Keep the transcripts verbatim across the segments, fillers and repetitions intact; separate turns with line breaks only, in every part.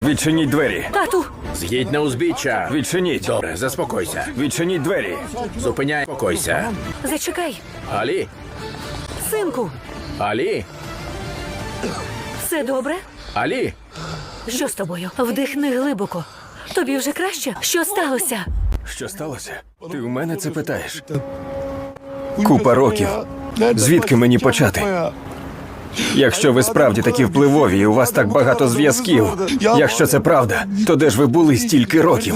Відчиніть двері.
Тату!
З'їдь на узбіччя.
Відчиніть.
Добре, заспокойся.
Відчиніть двері.
Зупиняй, спокойся.
Зачекай!
Алі?
Синку!
Алі?
Все добре?
Алі?
Що з тобою? Вдихни глибоко. Тобі вже краще? Що сталося?
Що сталося? Ти у мене це питаєш? Купа років. Звідки мені почати? Якщо ви справді такі впливові і у вас так багато зв'язків, якщо це правда, то де ж ви були стільки років?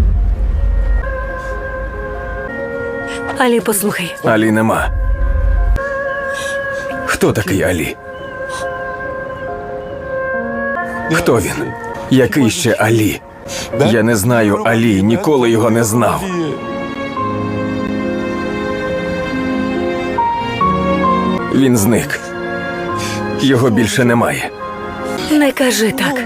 Алі, послухай.
Алі нема. Хто такий Алі? Хто він? Який ще Алі? Я не знаю Алі, ніколи його не знав. Він зник. Його більше немає.
Не кажи так.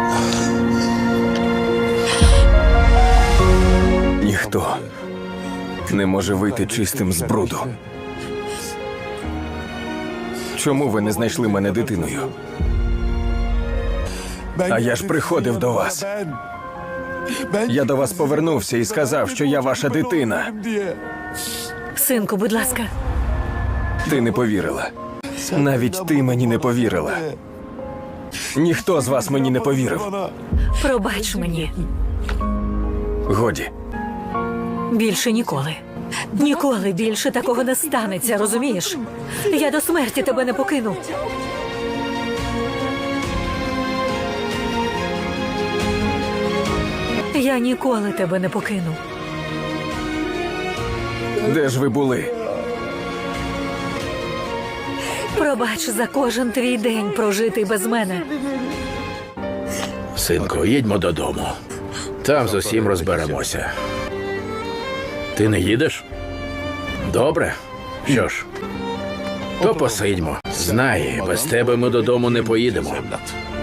Ніхто не може вийти чистим з бруду. Чому ви не знайшли мене дитиною? А я ж приходив до вас. Я до вас повернувся і сказав, що я ваша дитина.
Синку, будь ласка.
Ти не повірила. Навіть ти мені не повірила. Ніхто з вас мені не повірив.
Пробач мені.
Годі.
Більше ніколи. Ніколи більше такого не станеться, розумієш? Я до смерті тебе не покину. Я ніколи тебе не покину.
Де ж ви були?
Пробач за кожен твій день прожитий без мене.
Синку, їдьмо додому. Там з усім розберемося. Ти не їдеш? Добре. Що ж, то посидьмо. Знай, без тебе ми додому не поїдемо.